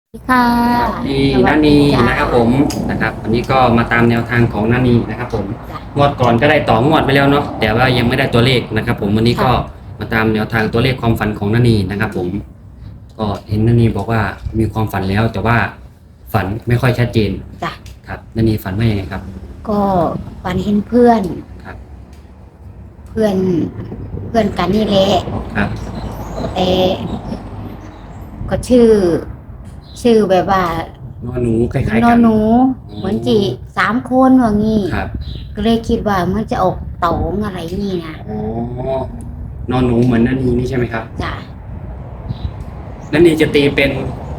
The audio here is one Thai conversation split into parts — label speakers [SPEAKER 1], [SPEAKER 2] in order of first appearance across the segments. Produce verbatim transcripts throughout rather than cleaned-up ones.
[SPEAKER 1] ค่ะ
[SPEAKER 2] สวัสดี
[SPEAKER 1] สวั
[SPEAKER 2] นานี
[SPEAKER 1] สดีจ้า
[SPEAKER 2] นะครับผมนะครับวันนี้ก็มาตามแนวทางของนานีนะครับผม
[SPEAKER 1] จ้ะ
[SPEAKER 2] งวดก่อนก็ได้ต่องวดไปแล้วเนาะแต่ว่ายังไม่ได้ตัวเลขนะครับผมวันนี้ก็
[SPEAKER 1] ค่ะ
[SPEAKER 2] มาตามแนวทางตัวเลขความฝันของนานีนะครับผมก็เห็นนานีบอกว่ามีความฝันแล้วแต่ว่าฝันไม่ค่อยชัดเจน
[SPEAKER 1] จ้ะ
[SPEAKER 2] ครับนานีฝันว่ายังไงครับ
[SPEAKER 1] ก็ฝันเห็นเพื่อน
[SPEAKER 2] ครับ
[SPEAKER 1] เพื่อนเพื่อนกันนี่แหละ
[SPEAKER 2] ครับ
[SPEAKER 1] แต่ก็ชื่อ ชื่อแบบว่าน
[SPEAKER 2] อนหนูคล้ายๆ
[SPEAKER 1] นอ
[SPEAKER 2] กัน
[SPEAKER 1] หนูเหมือนจีสามคนว่างี้
[SPEAKER 2] ครับ
[SPEAKER 1] ก็เลยคิดว่ามันจะออกตองอะไรนี่นะ
[SPEAKER 2] อ๋อนอนหนูเหมือนนานีนี่ใช่ไหมครับ
[SPEAKER 1] จ้ะ
[SPEAKER 2] นานีจะตีเป็น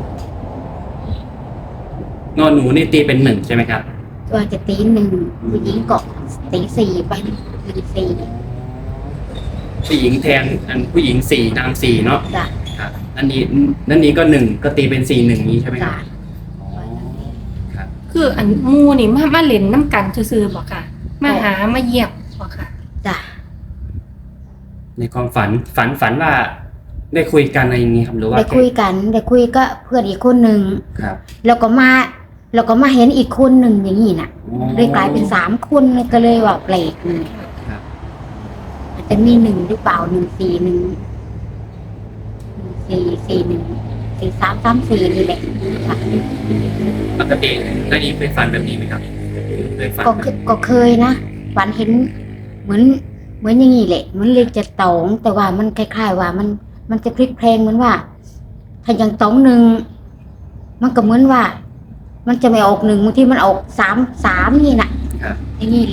[SPEAKER 2] นอนหนูนี่ตีเป็นหนึ่งใช่ไหมครับ
[SPEAKER 1] ว่าจะตีหนึ่งผู้หญิงก็ตีสี่ไปตีสี่
[SPEAKER 2] ผู้หญิงแทนอันผู้หญิงสี่นางสี่เนาะ
[SPEAKER 1] จ้ะ
[SPEAKER 2] ครับอันนี้นั่นนี้ก็หนึ่งก็ตีเป็นสี่หนึ่งนี้ใช่ไหมครั
[SPEAKER 1] จ้ะ
[SPEAKER 2] บอ๋อครับ
[SPEAKER 3] คืออันหมูนี่มามาเล่นน้ำกันซื่อๆบอกค่ะ มาหามาเยี่ยมบอกค่ะ
[SPEAKER 1] จ้ะ
[SPEAKER 2] ในความฝันฝันฝันว่าได้คุยกันอะไรอย่างนี้ครับหรือว่า
[SPEAKER 1] ได้คุยกันได้คุยก็เพื่อนอีกคนหนึ่ง
[SPEAKER 2] ครับ
[SPEAKER 1] แล้วก็มาแล้วก็มาเห็นอีกคนหนึ่งอย่างนี้น่ะ
[SPEAKER 2] อ๋อ
[SPEAKER 1] เลยกลายเป็นสามคนเลยก็เลยว่าแปลกนี่
[SPEAKER 2] ครับ
[SPEAKER 1] อาจจะมีหนึ่งหรือเปล่าหนึ่งสี่หนึ่งสี่สี่หนึ่งสี่สามสามสี่นี่แหละค่ะ
[SPEAKER 2] ปกตินานี้เคยฝันแบบนี้ไหมครับเคยฝัน
[SPEAKER 1] ก็เคก็เคยนะฝันเห็นเหมือนเหมือนอย่างนี้แหละเหมือนเลขจะตองแต่ว่ามันคล้ายๆว่ามันมันจะพลิกแพลงเหมือนว่า ถ้าอย่างตองหนึ่งมันก็เหมือนว่า มันจะไม่ออกหนึ่งบางทีมันออกสามสามนี่น่ะ
[SPEAKER 2] ครับ
[SPEAKER 1] อย่างนี้แหละ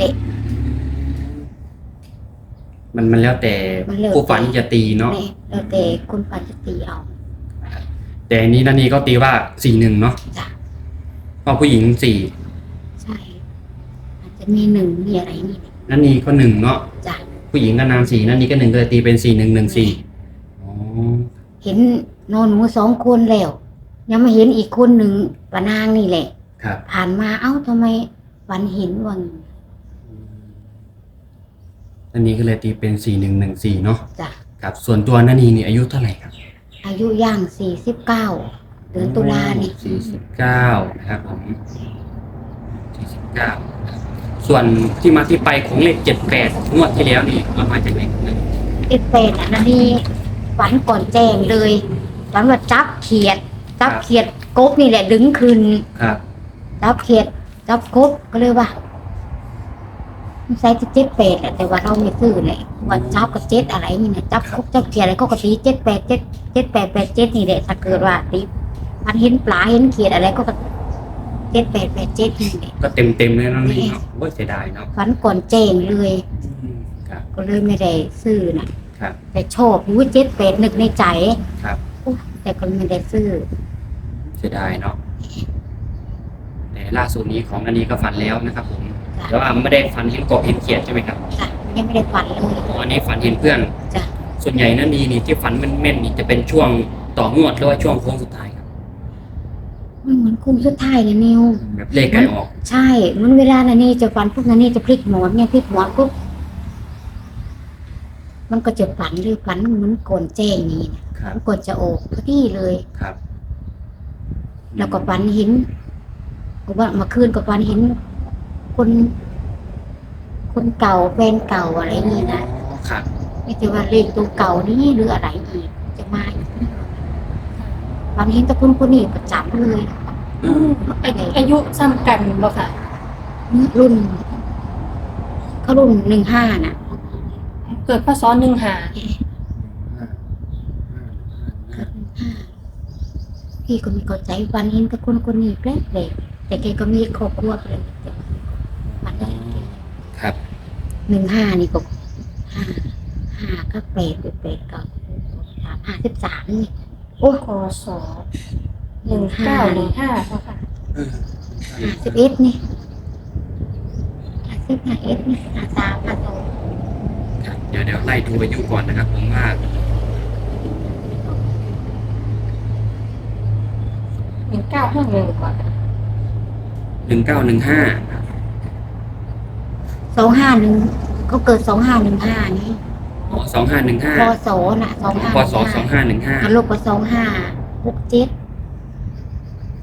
[SPEAKER 2] มันมันแล้วแต่
[SPEAKER 1] มันแล้วแต่
[SPEAKER 2] ผู้ฝันจะตีเนาะ
[SPEAKER 1] นี่แล้วแต่คนปันจะตีเอา
[SPEAKER 2] แต่อันนี้นานีก็ตีว่าสี่หนึ่งเนาะ
[SPEAKER 1] จ้ะ
[SPEAKER 2] เพราะผู้หญิงสี่
[SPEAKER 1] ใช่ อาจจะมีหนึ่งมีอะไรนี่แหละ
[SPEAKER 2] นานีก็หนึ่งเนาะ
[SPEAKER 1] จ้ะ
[SPEAKER 2] ผู้หญิงก็นางสี่นานีก็หนึ่งก็เลยตีเป็นสี่หนึ่งหนึ่งสี่อ๋อ
[SPEAKER 1] เห็นนอนหนูสองคนแล้ว ยังไม่เห็นอีกคนหนึ่งปะนางนี่แหละ
[SPEAKER 2] ครับ
[SPEAKER 1] ผ่านมาเอ้าทำไมวันเห็นวัง
[SPEAKER 2] อันนี้ก็เลยตีเป็นสี่หนึ่งหนึ่งสี่เนาะ
[SPEAKER 1] จ้ะ
[SPEAKER 2] ครับส่วนตัวนานีนี่อายุเท่าไหร่ครับ
[SPEAKER 1] อายุย่างสี่สิบเก้าเดือนตุลานี่
[SPEAKER 2] สี่สิบเก้านะครับผมสี่สิบเก้าส่วนที่มาที่ไปของเลขเจ็ดแปดงวดที่แล้วนี่เอามาจากไหนครับ
[SPEAKER 1] เอ็ดเป็นอ่ะนั่นนี่ฝันก่อนแจ้งเลยฝันว่าจับเขียด จับเขียดกบนี่แหละดึงคืน
[SPEAKER 2] ครับ
[SPEAKER 1] จับเขียดจับกบก็เลยว่ามันใส่เจ็ดแปดแหละแต่ว่าเราไม่ซื้อเลยว่าจับกับเจ็ดอะไรนี่นะจับกบจับเขียดอะไรก็กระตีเจ็ดแปดเจ็ดเจ็ดแปดแปดเจ็ดนี่แหละถ้าเกิดว่าตีมันเห็นปลาเห็นเขียดอะไรก็เจ็ดแปดแปดเจ็ดนี่แหละ
[SPEAKER 2] ก็เต็มเต็มๆเลยเนาะนี่เนาะโอ้ยเสียดายเนาะ
[SPEAKER 1] ฝันก่อนแจ้งเลย
[SPEAKER 2] อืมครับ
[SPEAKER 1] ก็เลยไม่ได้ซื้อนะครับ แต่ชอบรู้เจ็ดแปดนึกในใจ
[SPEAKER 2] ครับ
[SPEAKER 1] โอ้แต่ก็ไม่ได้ซื้อ
[SPEAKER 2] เสียดายเนาะแต่ล่าสุดนี้ของนานีก็ฝันแล้วนะครับผม
[SPEAKER 1] จ้ะ
[SPEAKER 2] แต่ว่าไม่ได้ฝันเห็นกบเห็นเขียดใช่ไหมครับ
[SPEAKER 1] จ้ะยังไม่ได้ฝันเลย
[SPEAKER 2] อ๋ออันนี้ฝันเห็นเพื่อน
[SPEAKER 1] จ้ะ
[SPEAKER 2] ส่วนใหญ่นานีนี่ที่ฝันแม่นๆนี่จะเป็นช่วงต่องวดหรือว่าช่วงโค้งสุดท้ายครับ
[SPEAKER 1] มันเหมือนคุ้มสุดท้ายเลยนิว
[SPEAKER 2] แบบเลขไกลออก
[SPEAKER 1] ใช่เหมันเวลานันนี่จะฝันปุ๊บนันนี่จะพลิกหมอนเนี่ยพลิกหมอนปุ๊บมันก็จะฝันหรือฝันเหมือนก่อนแจ้งนี่นะครับ มันก่อนจะออกพอดีเลย
[SPEAKER 2] ครับ
[SPEAKER 1] แล้วก็ฝันเห็นก็ว่าเมื่อคืนก็ฝันเห็น คน คนเก่าแฟนเก่าอะไรนี่นะครับ ไม่ใช่ว่าเลขตัวเก่านี่หรืออะไรอีกจะมาอีกฝันเห็นแต่คนคนนี้ประจำเลย
[SPEAKER 2] อืม
[SPEAKER 3] อายุอายุซ้ำกันบอกค่ะ
[SPEAKER 1] รุ่นเขารุ่นหนึ่งห้าน่ะ
[SPEAKER 3] เกิดพศหนึ่งหา
[SPEAKER 1] พี่ก็มีเข้าใจวันเห็นแต่คนคนนี้แปลกเลยแต่แกก็มีครอบครัวเลยวันนี้
[SPEAKER 2] ครับ
[SPEAKER 1] หนึ่งห้านี่ก็ห้าห้าก็แปดแปดก็สามห้าสิบสามนี่โอ้
[SPEAKER 3] พศหนึ่งเก้าหนึ่งห้าบอกค่ะ
[SPEAKER 1] ห้าสิบเอ็ดนี่ห้าสิบห้าเอ็ดนี่ห้าสามห้าสอง
[SPEAKER 2] ครับเดี๋ยวเดี๋ยวไล่ดูอายุก่อนนะครับผมว่า
[SPEAKER 3] หนึ่งเก้าห้าหนึ่งก่อน
[SPEAKER 2] หนึ่งเก้าหนึ่งห้า
[SPEAKER 1] สองห้าหนึ่งเขาเกิดสองห้าหนึ่งห้านี่
[SPEAKER 2] อ๋อสองห้าหนึ่งห้า
[SPEAKER 1] พศน่ะสองห้า
[SPEAKER 2] พศสองห้าหนึ่งห้า
[SPEAKER 1] ลูกก็สองห้าหกเจ็ด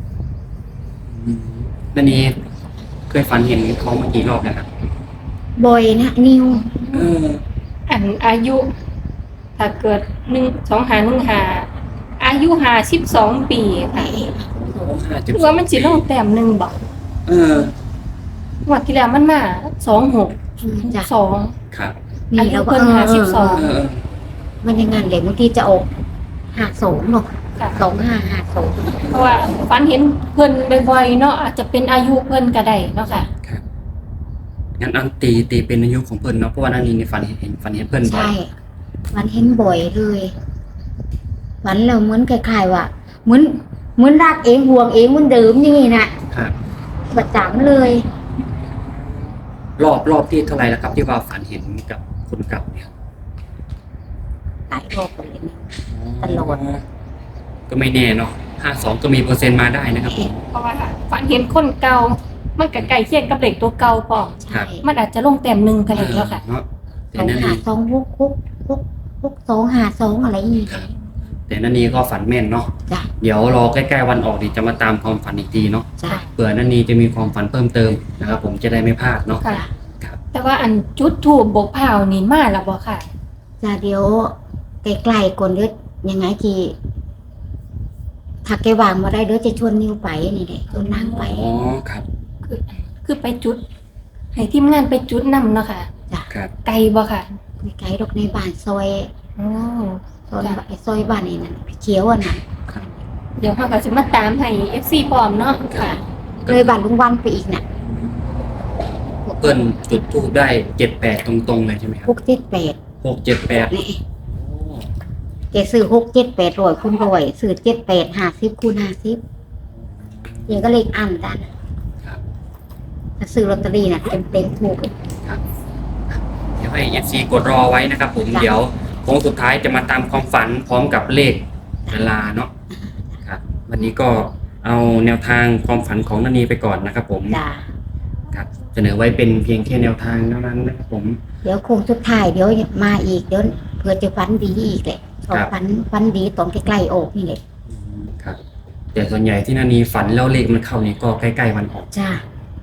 [SPEAKER 2] อืมนันนี้เคยฝันเห็นเขามากี่รอบแล้วครับ
[SPEAKER 1] บ่อยนะนิว
[SPEAKER 2] เออ
[SPEAKER 3] อันอายุ ถ้าเกิดหนึ่งสองหาหนึ่งหาอายุหาสิบสองปี
[SPEAKER 1] ไป
[SPEAKER 3] ค่ะ
[SPEAKER 2] ห้าจุด
[SPEAKER 3] ว่ามันสิลงแต้มหนึ่งบอก
[SPEAKER 2] เออ
[SPEAKER 3] งวดที่แล้วมันมาสองหก
[SPEAKER 1] จ้ะ
[SPEAKER 3] สอง
[SPEAKER 2] ครับ
[SPEAKER 1] นี่เราก็
[SPEAKER 3] อายุเพิ่นห้าสิบสอง
[SPEAKER 2] เออ
[SPEAKER 1] มันยังไงเลยบางทีจะออกหาสองเนาะ
[SPEAKER 3] ค่ะ
[SPEAKER 1] สองห้าหาสอง
[SPEAKER 3] เพราะว่าฝันเห็นเพิ่นบ่อยๆเนาะอาจจะเป็นอายุเพิ่นก็ได้เนาะค่ะ
[SPEAKER 2] ครับงั้นอันตีตีเป็นอายุของเพิ่นเนาะเพราะว่านันนี้ในฝันเห็นเห็นฝันเห็นเพิ่นบ่อย
[SPEAKER 1] ใช่มันเห็นบ่อยเลยฝันเราเหมือนคล้ายๆว่าเหมือนเหมือนรักเองห่วงเองเหมือนเดิมนี่นะครับ ประจำเลย
[SPEAKER 2] รอบรอบที่เท่าไหร่แล้วครับที่ว่าฝันเห็นกับคนเก่าเนี่ย
[SPEAKER 1] หลายรอบเลยนะ ตลอด
[SPEAKER 2] ก็ไม่แน่เนาะห้าสองก็มีเปอร์เซ็นต์มาได้นะครับผม
[SPEAKER 3] เพราะว่าฝันเห็นคนเก่ามันก็ใกล้เคียงกับเด็กตัวเก่าพอ
[SPEAKER 1] ใช่
[SPEAKER 3] มันอาจจะลงแต้มหนึ่งก็ได้แล้วค่ะ
[SPEAKER 2] เนาะ
[SPEAKER 1] ส
[SPEAKER 2] แต่
[SPEAKER 1] อง
[SPEAKER 2] นั่น
[SPEAKER 1] หา
[SPEAKER 2] นี่
[SPEAKER 1] สองหกหกหกหกสองหาสองอะไรอย่างเงี้ย
[SPEAKER 2] แต่นั่นนี่ก็ฝันแม่นเนาะ
[SPEAKER 1] จ้ะ
[SPEAKER 2] เดี๋ยวรอใกล้ๆวันออกดีจะมาตามความฝันอีกทีเนาะ
[SPEAKER 1] จ้ะ
[SPEAKER 2] เผื่อนั่นนี่จะมีความฝันเพิ่มเติมนะครับผมจะได้ไม่พลาดเนาะ
[SPEAKER 3] ค่ะ
[SPEAKER 2] ครับ
[SPEAKER 3] แต่ว่าอันจุดถูกบกเผานี่มาแล้วบ่ค่ะ
[SPEAKER 1] จ้ะเดี๋ยวใกล้ๆก่อนเด้อยังไงจีถ้าแกวางมาได้เดี๋ยวจะชวนนิวไปนี่แหละชวนนางไป
[SPEAKER 2] อ๋อครับ
[SPEAKER 3] คือคือไปจุด ให้ทีมงานไปจุดนำเนาะค่ะ
[SPEAKER 2] ครับ
[SPEAKER 3] ไกลบ่ค่ะ
[SPEAKER 1] ในไกลดอกในบ้านซอย
[SPEAKER 3] อ๋อ
[SPEAKER 1] ซอย
[SPEAKER 3] จ้ะ
[SPEAKER 1] ซอยบ้านนี่นั่นพี่เขียวอ่ะน่ะ
[SPEAKER 3] เดี๋ยวเขาก็จะมาตามให้ เอฟ ซี พร้อมเนาะค่ะ
[SPEAKER 1] เลยบ้านลุงวันไปอีกน่ะ
[SPEAKER 2] เพิ่นจุดทูบได้เจ็ดแปดตรงๆเลยใช่ไหมครับ
[SPEAKER 1] หกเจ็ดแปด
[SPEAKER 2] หกเจ็ดแปด
[SPEAKER 1] นี่แกซื้อหกเจ็ดแปดร้อยคูณร้อยซื้อเจ็ดแปดห้าสิบคูณห้าสิบเดี๋ยวก็เลขอันกัน
[SPEAKER 2] ครับ
[SPEAKER 1] ถ้าซื้อลอตเตอรี่น่ะเต็มเต็มๆถูกเลย
[SPEAKER 2] ครับเดี๋ยวให้ เอฟ ซี กดรอไว้นะครับผม
[SPEAKER 1] จ้ะ
[SPEAKER 2] เดี๋ยวโค้งสุดท้ายจะมาตามความฝันพร้อมกับเลขเวลาเนาะครับ วันนี้ก็เอาแนวทางความฝันของนันนีไปก่อนนะครับผม
[SPEAKER 1] จ้ะ
[SPEAKER 2] ครับเสนอไว้เป็นเพียงแค่แนวทางเท่านั้นนะครับผม
[SPEAKER 1] เดี๋ยวโคงสุดท้ายเดี๋ยวมาอีกเดี๋ยวเพื่อจะฟันดีอีกแหละเอา
[SPEAKER 2] ครับ
[SPEAKER 1] ฟันฟันดีตอนใกล้ๆออกนี่แหละ
[SPEAKER 2] ครับแต่ส่วนใหญ่ที่นันนีฝันแล้วเลขมันเข้านี่ก็ใกล้ๆวันออก
[SPEAKER 1] จ้า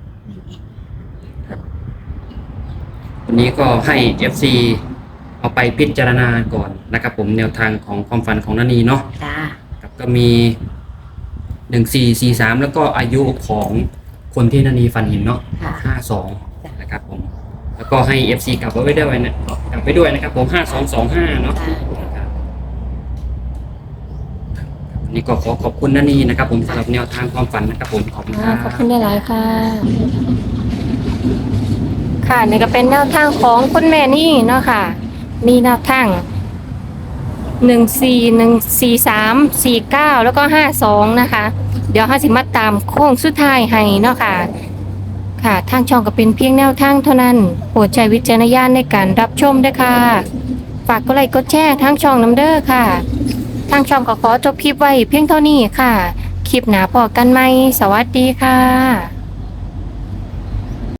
[SPEAKER 2] วันนี้ก็ให้ เอฟ ซี เอาไปพิจารณาก่อนนะครับผมแนวทางของความฝันของนันนีเนาะ
[SPEAKER 1] จ้า
[SPEAKER 2] ครับก็มีหนึ่งสี่สี่สามแล้วก็อายุของคนที่นันนีฝันเห็นเนาะ
[SPEAKER 1] ค่ะ
[SPEAKER 2] ห้าสองนะครับผมแล้วก็ให้ เอฟ ซี กลับไว้ด้วยนะกลับไปด้วยนะครับผมห้าสองสองห้าเนาะ
[SPEAKER 1] จ้า
[SPEAKER 2] ครับวันนี้ก็ขอขอบคุณนันนีนะครับผมสำหรับแนวทางความฝันนะครับผมขอบคุณค
[SPEAKER 3] อ่า
[SPEAKER 2] รับ
[SPEAKER 3] ขอบคุณหลายๆค่ะ ค่ะนี่ก็เป็นแนวทางของคุณแม่นี่เนาะค่ะ มีแนวทางหนึ่งสี่หนึ่งสี่สามสี่เก้าแล้วก็ห้าสองนะคะ เดี๋ยวห้าสิมาตามโค้งสุดท้ายให้เนาะค่ะ ค่ะ ทางช่องก็เป็นเพียงแนวทางเท่านั้น โปรดใช้วิจารณญาณในการรับชมด้วยค่ะ ฝากกดไลค์กดแชร์ทางช่องน้ำเด้อค่ะ ทางช่องก็ขอจบคลิปไว้เพียงเท่านี้ค่ะ คลิปหนาพอกันไหม สวัสดีค่ะ